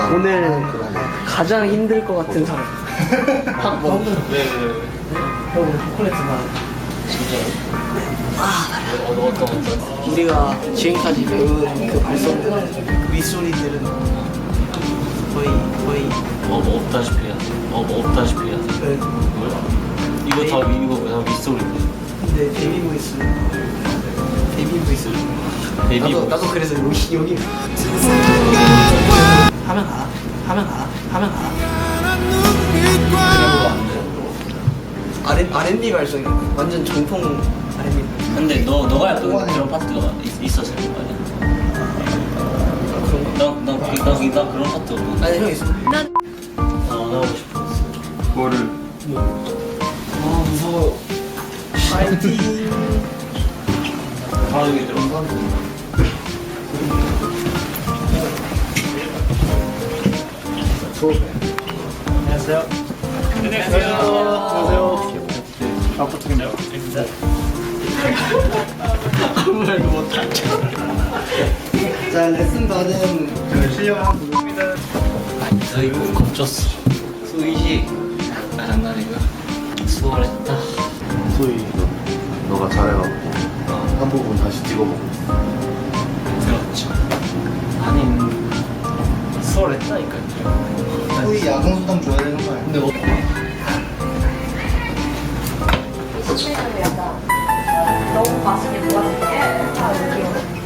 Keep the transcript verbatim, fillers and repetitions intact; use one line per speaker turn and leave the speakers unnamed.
오늘 가장 힘들 것 같은 사람. 학 뭐?
왜, 왜, 왜?
형 오늘 초콜릿 만
진짜요? 아, 어떤, 어떤, 어떤?
우리가 지금까지 배운 그 발성들은 그 윗소리들은 거의 거의
어, 뭐 없다시피 해야 돼. 어, 뭐 없다시피 해야 돼.
네.
뭐야? 이거 다, 이거 다 윗소리인데.
근데 베이비 보이스 베이비 보이스
베이비
나도
보이스.
나도 그래서 여기 여기 하면 알아 하면 알아 하면 알아
그런 거안 돼.
R R&B 발성이 완전 정통 R&B.
근데 너, 너가 약간 그런 파트가 있, 있었을 거 아니야?
아, 그런가?
난, 난, 그- 난, 난 그런 파트 없는데.
아니 형 있어.
어, 나오고 싶었어.
그거를
아 무서워. 파이팅.
바로 여기 들어.
안녕하세요. 안녕하세요. 안녕하세요. 아파트인데요.
아무 말도 못하죠. 자 레슨 받은
그 실력을 한번 보겠습니다.
너희 꼭 겁줬어. 수의식. 아, 장난이고요. 수월했다.
소희 너가 잘해갖고 한 부분 다시 찍어보고
그렇죠. 아니, 수월했다니까요.
소희 야성수당 줘야 되는 거 아니야?
근데 뭐,
수치는 약간 너무 맛있게 도와줄게. 아, 여기.